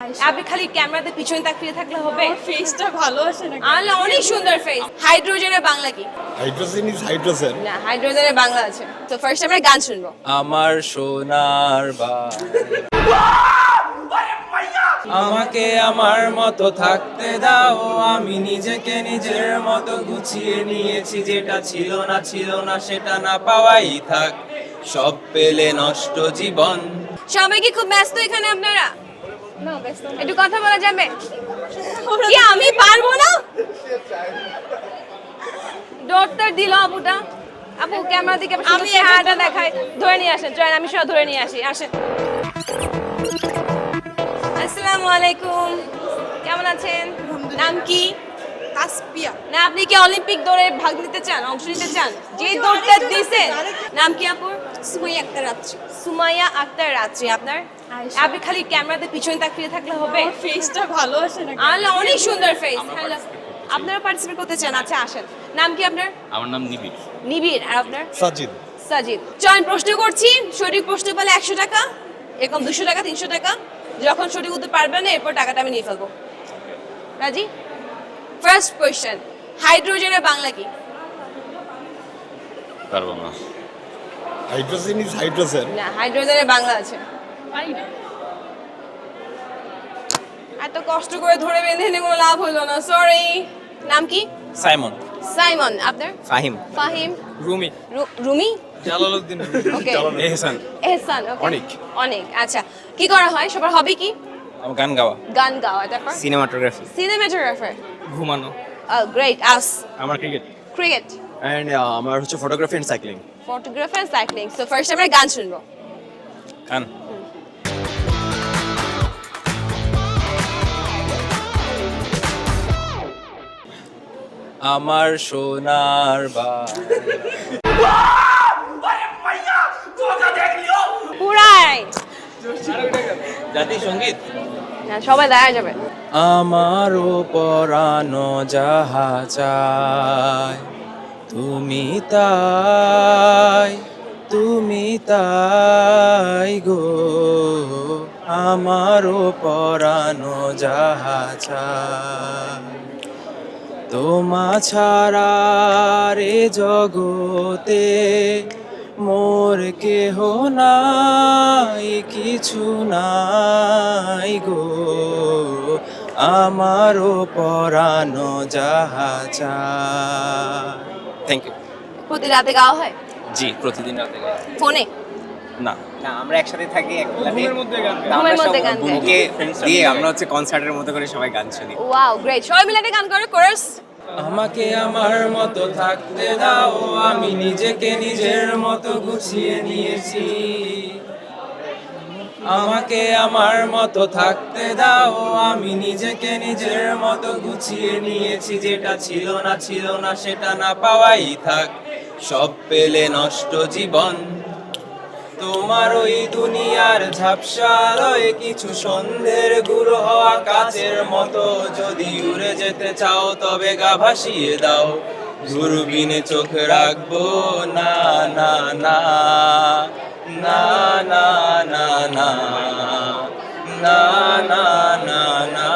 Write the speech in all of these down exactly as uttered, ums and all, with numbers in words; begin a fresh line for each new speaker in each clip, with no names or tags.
আপনি খালি ক্যামেরাতে পিছনে তাকিয়ে থাকলে হবে?
ফেসটা ভালো আসে না।
আল্লাহ, অনেক সুন্দর ফেস। হাইড্রোজেনের বাংলা কি?
Hydrogen is hydrogen.
না, হাইড্রোজেনের বাংলা আছে। তো ফার্স্ট আমরা গান শুনবো।
আমার সোনার বা আমাকে আমার মতো থাকতে দাও, আমি নিজেকে নিজের মতো গুছিয়ে নিয়েছি, যেটা ছিল না ছিল না সেটা না পাওয়াই থাক, সব পেলে নষ্ট জীবন।
সবাই কি খুব ব্যস্ত এখানে আপনারা?
না ব্যস্ত না।
একটু কথা বলা যাবে? কি আমি পারবো না? ডক্টর দিল আপুটা। আপু ক্যামেরা দিকে আমি হাতটা দেখাই, ধরে নিয়ে আসেন। চলেন আমি সব ধরে নিয়ে আসি। আসেন। আসসালামু আলাইকুম, কেমন আছেন? নাম কি?
তাসপিয়া।
না, আপনি কি অলিম্পিক দৌড়ে ভাগ নিতে চান, অংশ নিতে চান? যে দৌড়টা দিয়েছেন, নাম কি আপুর?
সুমাইয়া আক্তার রাত্রি।
সুমাইয়া আক্তার রাত্রি। আপনার?
আয়েশা।
আপনি খালি ক্যামেরাতে পিছনে তাকিয়ে থাকলে হবে?
ফেসটা ভালো আসে না।
আল্লাহ, অনেক সুন্দর ফেস। হ্যালো, আপনারা পার্টিসিপেট করতে চান? আচ্ছা আসেন। নাম কি আপনার?
আমার নাম নিবিড়।
নিবিড়। আর আপনার?
সাজিদ।
সাজিদ। চয়ন প্রশ্ন করছি, সঠিক প্রশ্ন পেলে একশো টাকা, এরকম দুশো টাকা, তিনশো টাকা। যখন সঠিক উত্তর পারবেন না, এরপর টাকাটা আমি নিয়ে ফেলবো। রাজি? ফার্স্ট কোয়েশ্চেন, হাইড্রোজেনের বাংলা কি?
পারবো না।
Hydrogen is hydrogen.
না, হাইড্রোজেনের বাংলা আছে।
পারি না।
এত কষ্ট করে ধরে বেঁধে এনে কোনো লাভ হলো না, সরি। নাম কি?
সাইমন।
সাইমন। আপনার?
ফাহিম।
ফাহিম।
রুমি।
রু- রুমি।
জালালউদ্দিন।
ওকে।
এহসান।
এহসান। ওকে।
অনেক।
অনেক। আচ্ছা, কি করা হয়? সবার হবি কি?
আমার গান গাওয়া।
গান গাওয়া। তারপর?
সিনেমাটোগ্রাফি।
সিনেমাটোগ্রাফার।
ঘুমানো।
গ্রেট। আস?
আমার ক্রিকেট।
ক্রিকেট।
এন্ড আমার হচ্ছে photography and cycling.
Photography and cycling. So first আমরা গান শুনবো।
গান। আমার সোনার বা
পুরাই।
জাতীয় সঙ্গীত।
না, সবাই দেখা যাবে।
আমারও পরানো যাহা চায়, তুমি তাই, তুমি তাই গো, আমারও পরানো যাহা চায়, তোমা ছাড়া রে জগতে মোর কেহ নাই, কিছু নাই গো, আমারও পরানো যাহা চায়। Thank you.
প্রতি রাতে গাওয়া হয়?
জি, প্রতিদিন রাতে গাই।
ফোনে?
না,
না, আমরা একসাথে থাকি এক ফ্ল্যাটে।
ঘুমের মধ্যে গান গাই।
তা আমরা
ঘুমের মধ্যে
সব
গান গাই।
বুকে দিয়ে আমরা হচ্ছে কনসার্টের মতো করে সবাই গান শুনি।
Wow, great. সবাই মিলে একটা গান করে কোরাস।
আমাকে আমার মতো থাকতে দাও, আমি নিজেকে নিজের মতো গুছিয়ে নিয়েছি, আমাকে আমার মতো থাকতে দাও, আমি নিজেকে নিজের মতো গুছিয়ে নিয়েছি, যেটা ছিল না ছিল না সেটা না পাওয়াই থাক, সব পেলে নষ্ট জীবন, তোমার ওই দুনিয়ার ঝাপসালয়ে কিছু সন্ধ্যের গুঁড়ো হওয়া কাচের মতো, যদি উড়ে যেতে চাও তবে গা ভাসিয়ে দাও, দূরবীনে চোখ রাখবো না না না না না না না না না না না।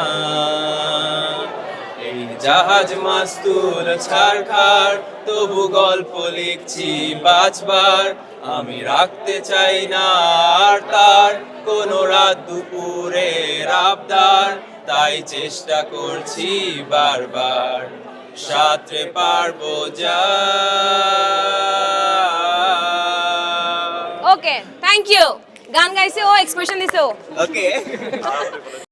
এই জাহাজ মাস্তুল ছাড়খাড়, তবু গল্প লিখছি বাঁচবার, আমি রাখতে চাই না আর তার কোনো রাত দুপুরের আবদার, তাই চেষ্টা করছি বারবার, সাথে পারবো যা।
Okay, thank you. গান গাইছে ও, এক্সপ্রেশন দিছে ও।
ওকে।